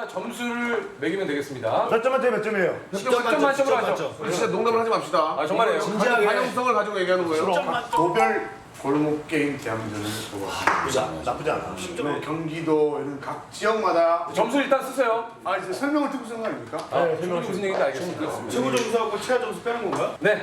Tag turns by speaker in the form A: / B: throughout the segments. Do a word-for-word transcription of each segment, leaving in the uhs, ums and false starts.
A: 일단 점수를 매기면 되겠습니다.
B: 몇 점 만점에 몇 점이에요?
A: 십 점 만점으로 하죠.
C: 진짜 농담을 하지 맙시다.
A: 아 정말이에요.
B: 진지하게.
C: 반영성을 가지고 얘기하는 거예요.
D: 도별 골목 게임 대항전을 보고
B: 나쁘지 않아. 나쁘지 않아.
D: 뭐 경기도 이런 각 지역마다
A: 점수 일단 쓰세요.
D: 아 이제 설명을 듣고 쓰는 거 아닙니까?
A: 네, 설명 무슨 얘기인지 알겠습니다.
B: 최고 점수하고 최하 점수 빼는 건가?
A: 네,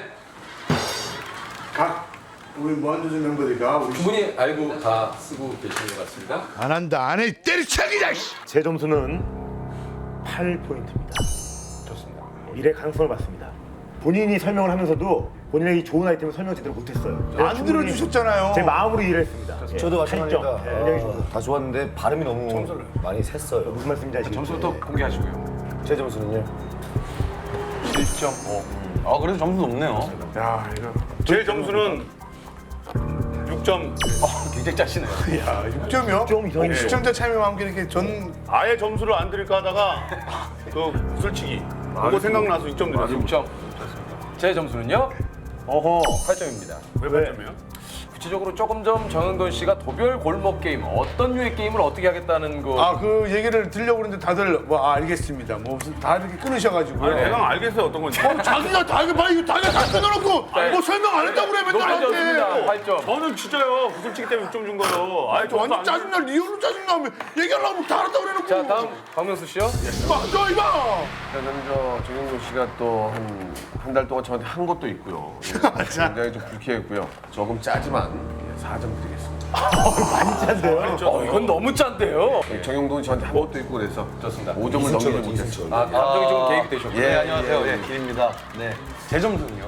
D: 각 우리 무한도전 멤버들과 우리
A: 두 분이 알고 다 쓰고 계시는 것 같습니다.
E: 안 한다 안 해 때려치기다.
B: 제 점수는 팔 포인트입니다.
A: 좋습니다.
B: 미래 가능성을 봤습니다. 본인이 설명을 하면서도 본인에게 좋은 아이템을 설명 제대로 못했어요.
D: 안 들어주셨잖아요.
B: 제 마음으로 일을 했습니다. 예,
F: 저도 마찬가지입니다.
B: 팔 점. 예, 굉장히 좋고.
F: 다 좋았는데 발음이 너무 많이 샜어요.
B: 무슨 말씀인지 아시겠죠?
A: 점수부터 공개하시고요.
F: 제 점수는요?
A: 일 점 오.
F: 아 그래도 점수 높네요.
D: 야 이거
G: 제 점수는 육 점.
A: 굉장히 짜시네요.
D: 야 육 점이요?
B: 좀 이상해요.
D: 시청자 참여와 함께 이렇게 전
G: 아예 점수를 안 드릴까 하다가 그 솔직히 그거 생각나서 육 점 드렸어요.
A: 육 점. 제 점수는요?
B: 어허.
A: 팔 점입니다.
G: 왜 팔 점이에요?
A: 구체적으로 조금 전 정영돈 씨가 도별 골목 게임 어떤 류의 게임을 어떻게 하겠다는 거.
D: 아 그 얘기를 들려고 그러는데 다들 뭐 아, 알겠습니다. 뭐 무슨 다 이렇게 끊으셔가지고.
G: 아니 내가 알겠어요 어떤 건지.
D: 자기가 다 이거 봐 이거 자기가 다 끊어놓고 뭐 설명 안 했다고 그래 맨날
A: 높은 점수입니다.
D: 나한테.
A: 팔 점.
G: 저는 진짜요 구슬치기 때문에 육 점 준 거예요. 아예 점수
D: 완전
G: 안
D: 짜증나 리얼로 짜증나 얘기하려고 하면 다 알았다고 그래놓고.
A: 자 다음 박명수 씨요.
D: 맞아 이거.
C: 일단은 저 정영돈 씨가 또 한 한 달 동안 저한테 한 것도 있고요. 예, 굉장히 좀 불쾌했고요. 조금 짜지만 사 점 드리겠습니다.
A: 어 이건 너무 짠데요.
C: 예, 정영돈 저한테 한 것도 있고 그래서
A: 좋습니다.
C: 오 점을 넘기지 못했어요.
A: 아 감정이 좀 개입이 되셨군요.
F: 네 안녕하세요. 예, 길입니다. 네.
A: 제 점수는요?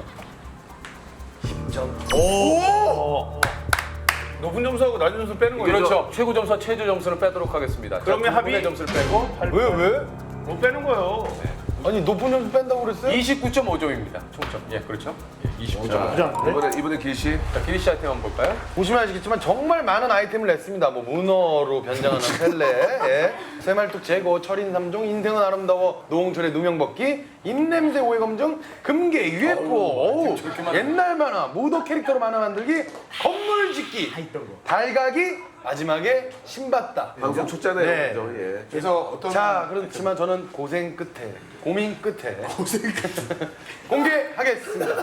G: 높은 점수하고 낮은 점수 빼는 거죠.
A: 그렇죠. 최고 점수와 최저 점수를 빼도록 하겠습니다. 자,
G: 그러면
A: 두 분의
G: 합의?
A: 점수를 빼고
F: 왜 왜?
G: 뭐 빼는 거예요.
F: 아니 높은 점수 뺀다고 그랬어요?
A: 이십구 점 오 점입니다. 총점. 예, 그렇죠. 예, 이십구 점.
B: 나쁘지 않은데?
C: 이번에 이번에 길씨
A: 자, 기리 씨 아이템 한번 볼까요?
F: 보시면 아시겠지만 정말 많은 아이템을 냈습니다. 뭐 문어로 변장하는 펠레, 예. 새말뚝 제거, 철인 삼종, 인생은 아름다워, 노홍철의 누명벗기, 입냄새 오해 검증, 금괴, 유에프오, 어우, 옛날 만화, 모더 캐릭터로 만화 만들기, 건물 짓기, 달가기, 마지막에 신받다.
C: 방송 쳤잖아요.
F: 네.
C: 그죠? 예.
D: 그래서 어떤
F: 자, 그렇지만 저는 고생 끝에, 고민 끝에 고생 끝에 공개하겠습니다.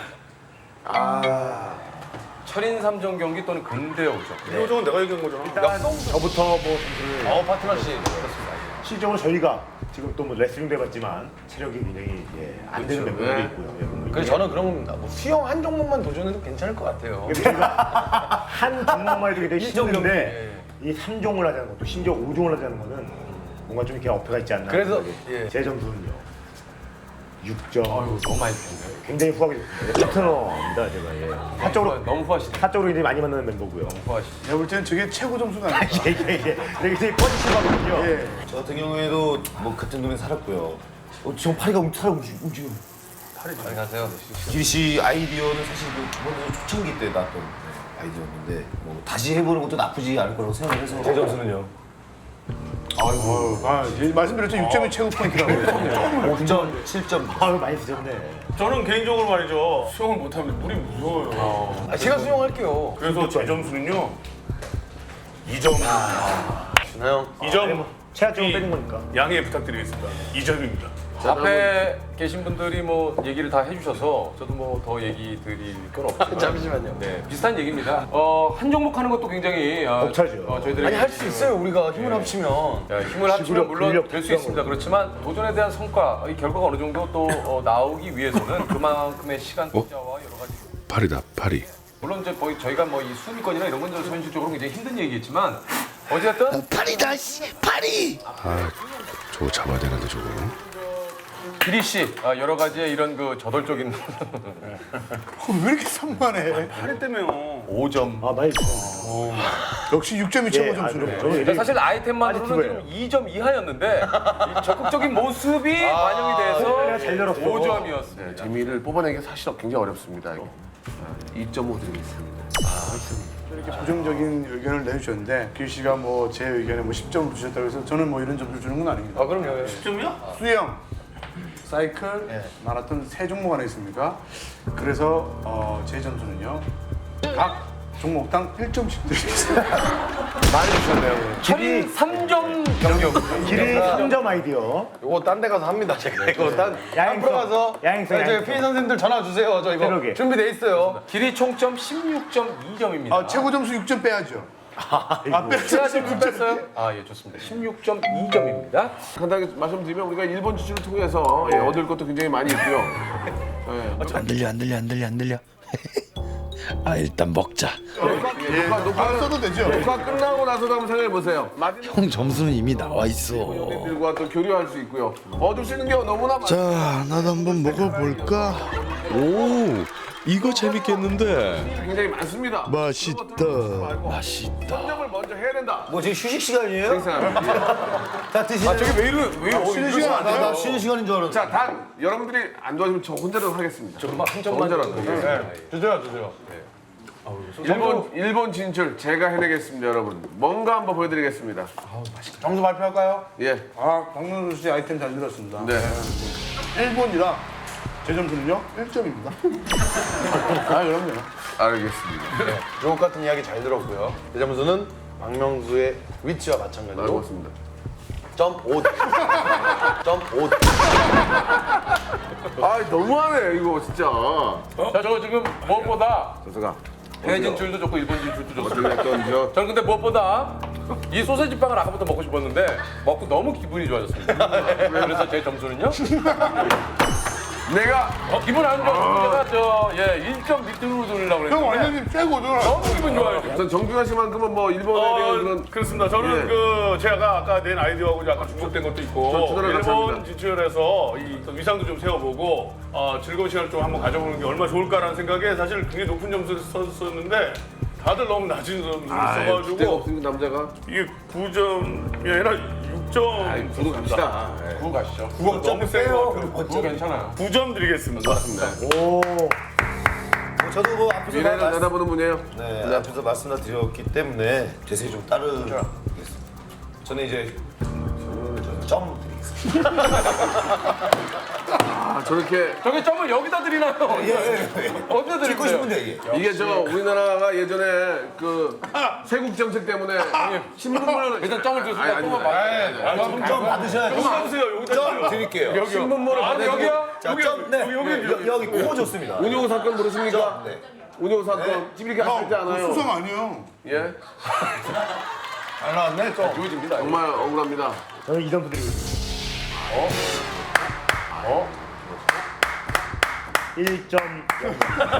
A: 철인 삼종 경기 또는 근대 오죠.
G: 이 정은 내가 얘기한 거잖아.
B: 일단 저부터 뭐 점수를
F: 어, 파트너 씨.
B: 실적으로 저희가 지금 또 뭐 레슬링도 해봤지만 체력이 굉장히 예, 안 되는 멤버들이 있고요. 예, 멤버들이
F: 그래서 저는 그런 뭐 수영 한 종목만 도전해도 괜찮을 것 같아요.
B: 저희가 한 종목만 해도 굉장히
F: 일정
B: 힘든데 이 삼 종을 하자는 것도 심지어 오 종을 하자는 거는 뭔가 좀 이렇게 어폐가 있지 않나.
F: 그래서,
B: 생각이.
F: 예.
B: 제 점수는요 육 점.
A: 아유, 너무 많이 드셨네요.
B: 굉장히 후하게 좋습니다. 파트너입니다 제가. 예. 사적으로
A: 너무 후하시네.
B: 사적으로 이제 많이 만나는 멤버고요.
A: 후하시네.
D: 내가 볼 때는 저게 최고 점수가 아닐까.
B: 예예예. 예. 되게 되게 포지티브하거든요.
D: 예.
F: 저 같은 경우에도 뭐 같은 동네 살았고요. 어, 지금 파리가 움직여 움직여.
A: 잘 가세요.
F: 기리 씨 아이디어는 사실 그 저번에 초창기 때 나왔던 네, 아이디어였는데 뭐 다시 해보는 것도 나쁘지 않을 거라고 생각해서 제 점수는요?
D: 아이고. 아 예, 말씀드렸죠 육 점이 최고 포인트라고.
F: 오 점, 칠 점.
B: 아유 많이 드셨네.
G: 저는 개인적으로 말이죠. 수영을 못하면 물이 무서워요.
F: 아, 제가 수영할게요.
G: 그래서 제 점수는요. 이 점.
F: 준하
G: 이 점
B: 최하점을 빼는 거니까.
G: 양해 부탁드리겠습니다. 이 점입니다.
A: 앞에 계신 분들이 뭐 얘기를 다 해주셔서 저도 뭐 더 얘기 드릴 건 없지만
F: 잠시만요.
A: 네, 비슷한 얘기입니다. 어, 한 종목 하는 것도 굉장히 어,
B: 벅차죠.
A: 어, 저희들이
F: 아니 할 수 있어요. 우리가 힘을 합치면.
A: 야, 힘을 합치면
B: 지구력,
A: 물론
B: 근력
A: 될 수
B: 필요한
A: 있습니다. 그렇지만 도전에 대한 성과, 이 결과가 어느 정도 또 어, 나오기 위해서는 그만큼의 시간 투자와 여러 가지
E: 파리다 파리.
A: 물론 이제 거의 저희가 뭐 이 수비권이나 이런 건 좀 현실적으로 굉장히 힘든 얘기겠지만 어쨌든
E: 파리다 씨 파리. 아 저거 잡아야 되는데 저거.
A: 기리 씨 아, 여러 가지의 이런 그 저돌적인
D: 왜 이렇게 산만해?
G: 파리 때문에요.
A: 오 점.
B: 아 많이 드셨네.
D: 역시 육 점이 최고
B: 예, 아,
D: 점수로.
B: 그래요. 저는
A: 그러니까
B: 이제
A: 사실 아이템만으로는
B: 빠지티브예요.
A: 지금 이 점 이하였는데 이 적극적인 모습이 반영이
B: 내가 잘
A: 돼서
B: 열었어.
A: 오 점이었습니다.
C: 네, 재미를 뽑아내기가 사실 굉장히 어렵습니다. 이거. 이 점 오 드리겠습니다.
D: 이렇게 부정적인 의견을 내주셨는데 길 씨가 뭐 제 의견에 뭐 십 점을 주셨다고 해서 저는 뭐 이런 점수를 주는 건 아닙니다.
A: 아 그럼요.
G: 십 점이야?
D: 수영, 사이클, 마라톤 세 종목 안에 있습니까? 그래서 어, 제 점수는요. 각 종목당 일 점씩 드리겠습니다.
C: 많이 주셨네요.
A: 철인 삼 점 경력.
B: 길이 삼 점 아이디어.
F: 이거 딴 데 가서 합니다. 제가 이거 딴
B: 야행성,
F: 앞으로 가서
B: 야행성,
F: 네, 저희
B: 야행성.
F: 피해 선생님들 전화 주세요. 저 이거
B: 새로게.
F: 준비돼 있어요.
A: 길이 총점 십육 점 이 점입니다.
D: 아, 최고 점수 육 점 빼야죠. 아, 빼야죠.
A: 제가 지금 뺐어요? 아, 예, 좋습니다. 십육 점 이 점입니다.
C: 간단하게 말씀드리면 우리가 일본 지출을 통해서 예, 얻을 것도 굉장히 많이 있고요. 예.
E: 안 들려 안 들려 안 들려 안 들려. 아 일단 먹자.
C: 예, 녹화, 녹화,
D: 안 써도 되죠.
C: 녹화 끝나고 나서도 한번 생각해 보세요.
E: 형 점수는 이미 나와 있어.
C: 연예인들과 또 교류할 수 있고요. 얻을 수 있는 게 너무나 많.
E: 자 나도 한번 먹어볼까. 오 이거 재밌겠는데.
C: 굉장히 많습니다.
E: 맛있다. 맛있다.
C: 선정을 먼저 해야 된다.
F: 뭐 지금 휴식 시간이에요?
C: 생각합니다.
F: 자 드시는.
A: 아, 저게 왜 이래? 왜 어,
D: 쉬는 시간 안
F: 나, 나
D: 돼요.
F: 쉬는 시간인 줄 알았는데.
C: 자, 단 여러분들이 안 도와주면 저 혼자라도 하겠습니다.
A: 정말 한 점만
C: 혼자라도.
A: 더
C: 예.
F: 주세요, 주세요.
C: 일본 일본 진출 제가 해내겠습니다, 여러분. 뭔가 한번 보여드리겠습니다.
F: 점수 발표할까요?
C: 예,
D: 아, 박명수 씨 아이템 잘 들었습니다.
C: 네.
D: 일본이라 제 점수는요 일 점입니다. 아, 그럼요.
C: 알겠습니다.
F: 주옥 같은 이야기 잘 들었고요. 제 점수는 박명수의 위치와 마찬가지로
C: 알겠습니다.
F: 점 오. 점 오.
C: 아, 너무하네 이거 진짜.
A: 자, 저거 지금 무엇보다
C: 조서가
A: 해외 진출도 좋고 일본 진출도 좋습니다.
C: 어떤 저
A: 저는 근데 무엇보다 이 소세지 빵을 아까부터 먹고 싶었는데 먹고 너무 기분이 좋아졌습니다. 그래서 제 점수는요?
C: 내가
A: 어, 기분 안 좋아서 제가 저 예, 일 점 밑으로 돌리려고
D: 형
A: 그랬는데
D: 완전히 최고죠.
A: 너무 기분 좋아요. 지금.
C: 전 정규하 씨만큼은 뭐 일본에 대한 그런
G: 그렇습니다. 저는
C: 예.
G: 그 제가 아까 낸 아이디어하고 약간 중복된 것도
C: 저
G: 있고
C: 주도를 같이
G: 일본
C: 합니다.
G: 진출해서 이 또 위상도 좀 세워보고 어, 즐거운 시간을 좀 한번 가져보는 게 얼마나 좋을까라는 생각에 사실 굉장히 높은 점수를 썼었는데 다들 너무 낮은 점수를
C: 때가
G: 써가지고
C: 없으니까 남자가
G: 이게 구 점이 아니라 육 점
C: 구도 갑시다. 예.
A: 구호 가시죠.
G: 구가 너무 세요.
A: 구호 괜찮아요.
G: 구 점 드리겠습니다.
B: 오.
F: 저도 뭐 앞에서
C: 미래를
F: 말씀-
C: 내다보는 분이에요.
F: 네, 앞에서 말씀드렸기 때문에 대세히 좀 따르겠습니다. 저는 이제 점 드리겠습니다.
C: 아, 저렇게
A: 저게 점을 여기다 드리나요? 어디다
F: 찍고
A: 드릴까요?
F: 싶은데 이게.
C: 이게 저 우리나라가 예전에 그 세국 정책 때문에 신문물을
A: 일단 점을 줬으니까
C: 아니, 아니,
A: 조금만
C: 아니,
A: 받아야 돼요.
F: 점, 점 받으셔야죠.
G: 여기 받으세요. 여기다 주세요.
F: 드릴게요.
C: 신문물을
A: 아,
C: 받아야
A: 여기요?
F: 자, 점, 네. 여기, 여기 코 좋습니다.
C: 운용 사건 모르십니까?
F: 네.
C: 운용 사건 찌르게 하실 때 않아요?
D: 수상 아니에요.
C: 예,
F: 잘 나왔네, 점.
A: 주어집니다.
C: 정말 억울합니다.
B: 저는 이 점수 드리겠습니다.
A: 어?
B: 일 점 영.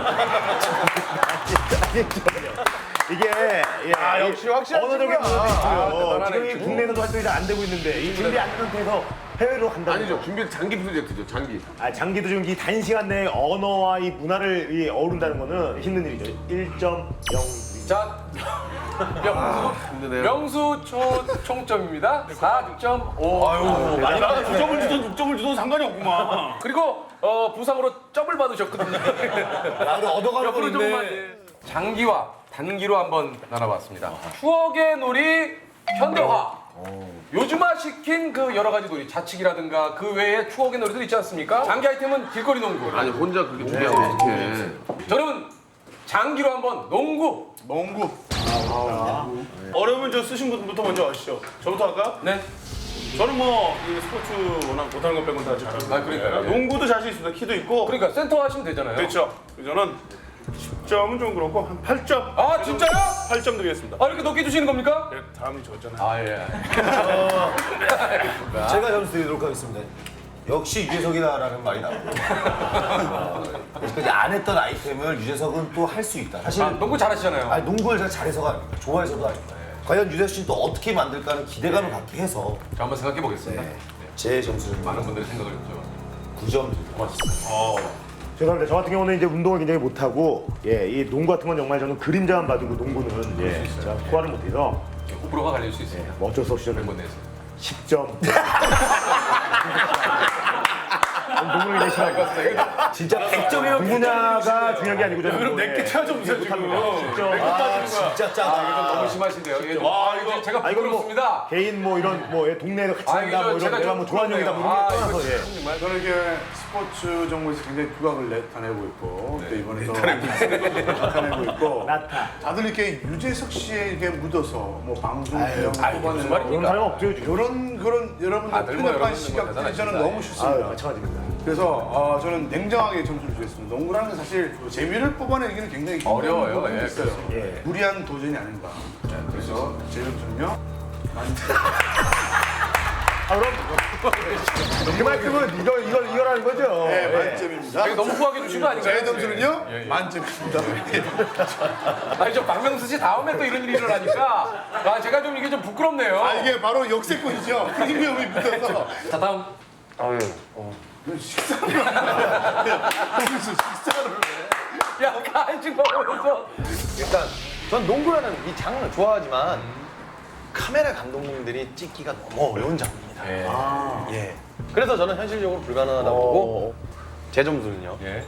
B: 이게 예,
F: 아, 역시 확실한
B: 언어적인
F: 친구야.
B: 문제도 있고요.
A: 대단하네,
B: 지금 이
A: 친구.
B: 국내에서도 활동이 잘 안 되고 있는데 이 준비 안 된 상태에서 해외로 간다는
C: 아니죠,
B: 거.
C: 준비 장기 프로젝트죠, 장기.
B: 아, 장기도 지금 이 단시간 내에 언어와 이 문화를 이 어우른다는 거는 힘든 일이죠. 일 점 영.
A: 자, 명수,
C: 힘드네요.
A: 명수 초 총점입니다. 사 점 오.
G: 아니 나 구 점을 주든 육 점을 주든 상관이 없구만.
A: 그리고 어, 부상으로 점을 받으셨거든요.
F: 나를 얻어가는
A: 옆으로 조금만. 예. 장기와 단기로 한번 나눠봤습니다. 추억의 놀이 현대화. 요즘화 시킨 그 여러 가지 놀이, 자칙이라든가 그 외에 추억의 놀이들 있지 않습니까? 장기 아이템은 길거리 농구.
C: 아니 혼자 그렇게 준비하면 어떡해.
A: 저는 장기로 한번 농구.
D: 농구.
G: 어려우면 저 쓰신 분부터 먼저 하시죠. 저부터 할까?
A: 네.
G: 저는 뭐 이 스포츠 워낙 못하는 것 빼고는 다 잘합니다.
A: 아, 그러니까요.
G: 농구도 자신 있습니다. 키도 있고.
A: 그러니까 센터 하시면 되잖아요.
G: 그렇죠. 저는 십 점은 좀 그렇고 한 팔 점.
A: 아, 진짜요?
G: 팔 점 드리겠습니다.
A: 아, 이렇게 높게 주시는 겁니까?
G: 네, 다음이 저잖아요.
A: 아, 예.
F: 제가 점수 드리도록 하겠습니다. 역시 유재석이다라는 말이 나오고 안 했던 아이템을 유재석은 또 할 수 있다. 사실
A: 아, 농구 잘하시잖아요.
F: 아니, 농구를 제가 잘해서가 아닙니다. 좋아해서도 아닙니다. 과연 유재석 씨는 또 어떻게 만들까 하는 기대감을 갖게 해서
A: 자, 한번 생각해 보겠습니다.
F: 제 점수는
A: 많은 분들의 생각을 좀.
F: 구 점 드립니다.
B: 죄송합니다. 저 같은 경우는 이제 운동을 굉장히 못하고 예, 이 농구 같은 건 정말 저는 그림자만 봐두고 농구는 예, 제가 소화를 못해서
A: 호불호가 갈릴 수 있습니다.
B: 뭐 어쩔 수 없이 저는
A: 멤버 내에서.
B: 십 점. 농구를 굉장히 싫어하고
F: 진짜 백 점이면
B: 분야가 중요한 게 아니고 저는
G: 그럼
B: 뭐,
G: 내게
B: 예,
G: 채워줘 보세요 지금.
B: 십 점.
F: 아, 진짜 짜다.
A: 너무 심하신데요. 예,
G: 와,
A: 아,
G: 이거-
A: 이거 제가
B: 아, 이건 뭐
A: 부끄럽습니다.
B: 개인 뭐 이런 뭐 예, 동네에서 같이
A: 아,
B: 한다 뭐
A: 이거
B: 이런
A: 제가
B: 내가
A: 좀
B: 뭐 좋아하는 형이다 뭐
A: 아,
B: 이런 거
A: 이거
B: 떠나서 예.
A: 참 정말.
G: 저는 이게
D: 스포츠 종목에서 굉장히 두각을 나타내고 있고 또 이번에도 나타내고 있고 다들 이렇게 유재석 씨에 이렇게 묻어서 뭐 방송 분량
A: 아유, 무슨 말입니까?
B: 그런 사람 없죠 요즘.
D: 이런 그런 여러분들
A: 다들 뭐
D: 편협한
A: 여러분들 뭐
D: 시각들이 저는
A: 대단하십니다.
D: 너무
B: 아
D: 싫습니다.
B: 마찬가지입니다.
D: 그래서 어, 저는 냉정하게 점수를 주겠습니다. 농구라는 건 사실 재미를 뽑아내기는 굉장히 힘든
A: 어려워요.
D: 부분이
A: 예,
D: 있어요.
B: 예.
D: 무리한 도전이 아닌가. 그래서 제 점수는요.
F: 그만큼은 이걸 이걸 이거라는 거죠.
D: 네, 만점입니다.
A: 이거 너무 후하게 주신 거 아닌가요?
D: 제 점수는요?
A: 예, 예.
D: 만점입니다.
A: 아니 저 박명수 씨 다음에 또 이런 일이 일어나니까 아 제가 좀 이게 좀 부끄럽네요.
D: 아 이게 바로 역세권이죠. 프리미엄이 붙어서.
A: 자 다음
D: 식사를 거기서 식사를 왜?
A: 야 간식 먹으면서
F: 일단 전 농구라는 이 장르 좋아하지만 카메라 감독님들이 찍기가 너무 어려운 장르입니다.
A: 예.
F: 예. 그래서 저는 현실적으로 불가능하다고 보고 제 점수는요.
A: 예.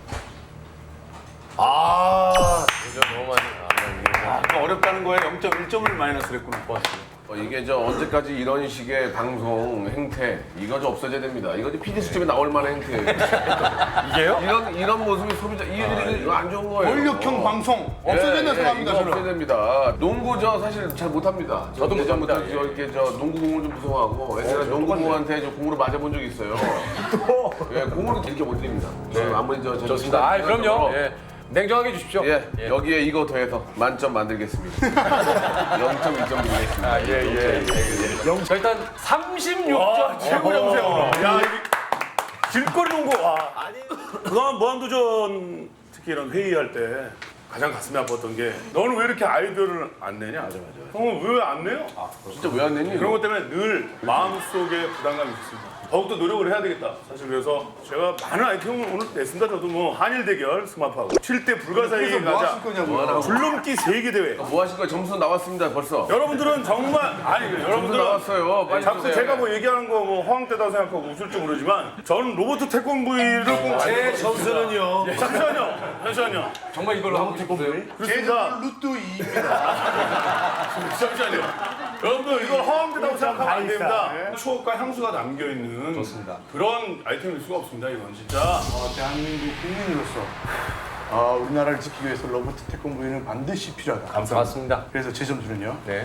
F: 아,
A: 이거 너무 많이 아,
G: 아, 어렵다는 거에 영 점 일 점을 마이너스를 했구나.
C: 어, 이게 저 언제까지 이런 식의 방송 행태 이거 좀 없어져야 됩니다. 이거 좀 피디 수첩에 나올 만한 행태예요.
A: 이게요?
C: 이런 이런 모습이 소비자 이 이거 안 좋은 거예요.
D: 권력형 방송 없어져야
C: 예, 예,
D: 생각합니다.
C: 이거
D: 저는.
C: 없어야 됩니다. 농구 저 사실 잘 못합니다.
A: 저도
C: 예전부터
A: 못합니다.
C: 저 이렇게 저 농구 공을 좀 무서워하고 옛날에 농구공한테 저 공으로 맞아본 적이 있어요. 예, 공으로 이렇게 못 드립니다. 네. 아무리 저
A: 좋습니다. 아 그럼요. 예. 냉정하게 주십시오.
C: 예, 여기에 이거 더해서 만점 만들겠습니다. 영 점 이 점 드리겠습니다.
A: 아, 예, 예, 예. 자, 일단 삼십육 점
G: 최고 점수야. 야, 이게 길거리 농구. 와. 그동안 무한도전 특히 이런 회의할 때 가장 가슴이 아팠던 게 너는 왜 이렇게 아이디어를 안 내냐? 맞아, 맞아. 형은 왜 안 내요?
C: 진짜 왜 안 내니?
G: 그런 것 때문에 늘 마음속에 부담감이 있습니다. 더욱더 노력을 해야 되겠다. 사실 그래서 제가 많은 아이템을 오늘 냈습니다. 저도 뭐 한일 대결 스마프하고 칠 대 불가사의
D: 그래서 뭐
G: 가자.
D: 하실 거냐고요.
G: 줄넘기 세계 대회.
C: 뭐 하실 거예요? 점수 나왔습니다 벌써.
G: 여러분들은 정말 아니
C: 점수
G: 여러분들은
C: 나왔어요. 빨리
G: 자꾸
C: 주세요.
G: 제가 뭐 얘기하는 거 뭐 허황되다고 생각하고 웃을 줄 모르지만 저는 로버트 태권브이를 꼭
F: 제 점수는요.
G: 잠시만요. 잠시만요.
A: 정말 이걸로 하고 싶었어요.
D: 제
G: 그렇습니다.
D: 점수는 루트 이입니다.
G: 잠시만요. 여러분들 이걸 허황되다고 생각하면 안 됩니다.
D: 네.
G: 추억과 향수가 담겨있는 그런 아이템일 수가 없습니다. 이건 진짜.
D: 어, 대한민국 국민으로서 어, 우리나라를 지키기 위해서 로버트 태권브이는 반드시 필요하다.
A: 맞습니다.
D: 그래서 제 점수는요.
A: 네.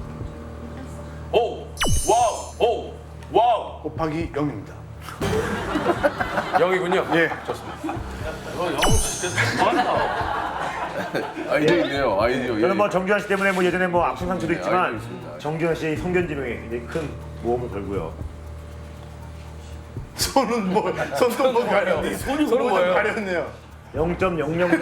G: 오! 와우! 오! 와우!
D: 곱하기 영입니다.
A: 영이군요.
D: 예.
C: 아이디어 있네요. 아이디어.
B: 저는 뭐 정규환 씨 때문에 뭐 예전에 뭐 아픈 상처도
C: 아이디어
B: 있지만
C: 있습니다.
B: 정규환 씨의 성견지명에 굉장히 큰 모험을 걸고요.
D: 손은 뭐 손도 뭐 가렸네.
A: 손이 뭐예요?
D: 가렸네요.
B: 영 점 영영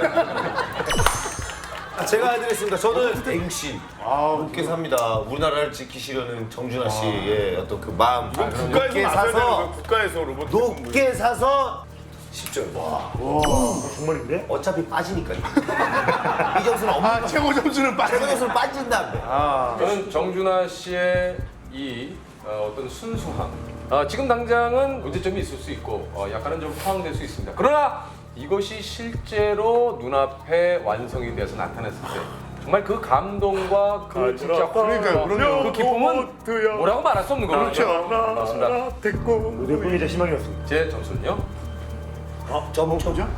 F: 제가 해드리겠습니다. 저는 앵신. 높게 삽니다. 우리나라를 지키시려는 정준하 씨의 어떤 그 마음.
G: 국가에서
F: 높게
G: 나서야 되는 거예요.
F: 사서
G: 국가에서 로버트
F: 높게 사서 십 점. 와.
B: 정말인데?
F: 어차피 빠지니까요. 이 점수는 없는
D: 아 최고 점수는
F: 거. 최고
D: 빠져.
F: 점수는 빠진다.
A: 저는 정준하 씨의 이 어, 어떤 순수함. 어, 지금 당장은 문제점이 있을 수 있고 어, 약간은 좀 포함될 수 있습니다. 그러나 이것이 실제로 눈앞에 완성이 돼서 나타났을 때 정말 그 감동과 그 진짜
D: 그러니까요,
A: 호흡과
D: 그럼요.
A: 그 기쁨은 뭐라고 말할 수 없는 거죠. 맞습니다.
B: 무대뿐이 제 희망이었습니다.
A: 제 점수는요?
F: 점점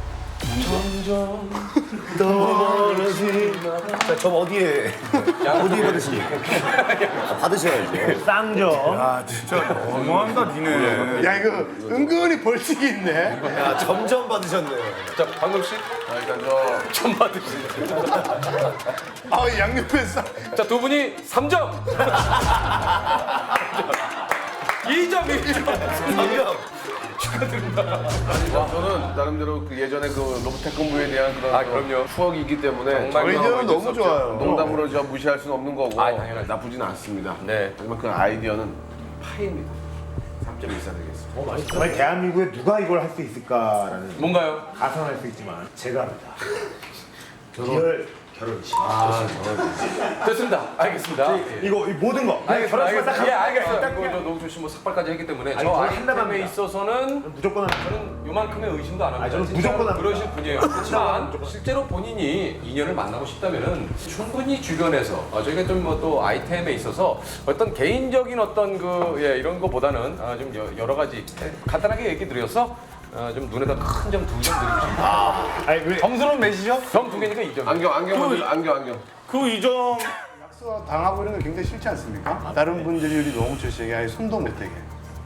F: 자, 점 어디에 어디에 받으십니까? 아, 받으셔야죠.
B: 쌍점.
G: 아 진짜 너무한다 니네.
D: 야 이거 은근히 벌칙이 있네.
F: 야, 점점 받으셨네.
A: 자, 방금 씨.
C: 아, 일단 저
A: 점 받으시죠.
D: 아 양옆에 싹.
A: 자, 두 분이 삼 점. 이 점, 일 점.
F: 점점.
C: 저는 나름대로 그 예전에 그 로봇 태권브이에 대한 그런
A: 아, 그럼요.
C: 추억이 있기 때문에
A: 정말
D: 아이디어는 너무 좋아요.
C: 농담으로 저 무시할 수는 없는 거고
A: 아, 당연하죠.
C: 나쁘지는 않습니다.
A: 네.
C: 하지만 그 아이디어는 파입니다. 삼 점 일사 드리겠습니다.
B: 정말 대한민국에 누가 이걸 할 수 있을까라는
A: 뭔가요?
B: 가상할 수 있지만 제가 합니다. 리얼
E: 결혼식.
A: 아, 됐습니다. 알겠습니다. 예.
B: 이거 이 모든 거.
A: 알겠습니다.
B: 결혼식 딱
A: 알겠습니다. 예,
B: 하고
A: 알겠어요.
B: 딱
A: 이거 저 노홍철 씨뭐 삭발까지 했기 때문에
B: 아니,
A: 저
B: 저는
A: 아이템에
B: 한다갑니다.
A: 있어서는
B: 무조건 하는
A: 저는 요만큼의 의심도 안 합니다.
B: 아니, 저는
A: 진짜
B: 무조건 합니다.
A: 그러실 분이에요. 그렇지만 실제로 본인이 인연을 만나고 싶다면은 충분히 주변에서 어, 저희가 좀 뭐 또 아이템에 있어서 어떤 개인적인 어떤 그 예, 이런 거보다는 아, 좀 여- 여러 가지 예, 간단하게 얘기 드려서 어, 좀 눈에다 큰 점 두 점 드리고 싶습니다.
B: 아니 왜
F: 점수는 몇이죠?
A: 점 두 개니까 이 점.
C: 안경 안경 먼저 안경 안경.
G: 그 이점
D: 약속 당하고 이런 거 굉장히 싫지 않습니까? 다른 분들이 우리 노홍철 씨에게 아예 손도 못 대게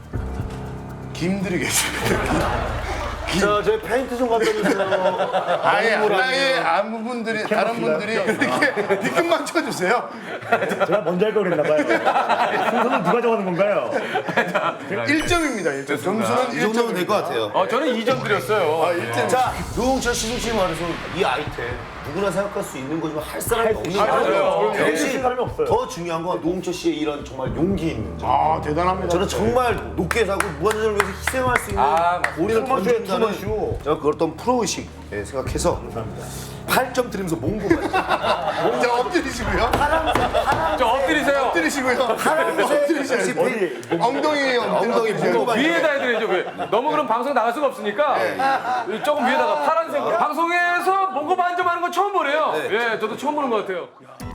D: 김드리겠습니다.
E: 자, 저 페인트 좀 갖다 주세요.
D: 아예 아예 아무 분들이 다른 분들이 그렇게 뒤끝만 쳐주세요.
B: 제가 먼저 할 걸 그랬나 봐요. 순서는 누가 정하는 건가요?
D: 일 점입니다. 일 점. 점수는
E: 이 정도면 될 것 같아요.
A: 어, 저는 이 점 드렸어요.
D: 아, 일 점.
E: 자, 노홍철 씨 솔직히 말해서 이 아이템 누구나 생각할 수 있는 거지만 할 사람이 없는
A: 맞아요.
E: 거예요.
B: 할
E: 대신
B: 사람이 없어요.
E: 더 중요한 건 노홍철 씨의 이런 정말 용기 있는 점.
D: 아 대단합니다.
E: 저는 정말 높게 사고 무한도전을 위해서 희생할 수 있는
A: 아, 맞습니다.
E: 우리를
B: 투머쇼예요,
E: 던진다는
B: 투머쇼.
E: 제가 그걸 어떤 프로의식 예, 생각해서 팔 점 드리면서 몽고 받죠.
D: 자 엎드리시고요.
A: 저 엎드리세요.
D: 엎드리시고요. 엎드리셔야지.
B: 어디
D: 엉덩이
E: 엉덩이 몽고 받죠.
A: 위에다 해드려야죠. 왜? 너무 그럼 방송 나갈 수가 없으니까 조금 위에다가 파란색으로. 방송에서 몽고 반점하는 건 처음 보네요. 예, 저도 처음 보는 것 같아요.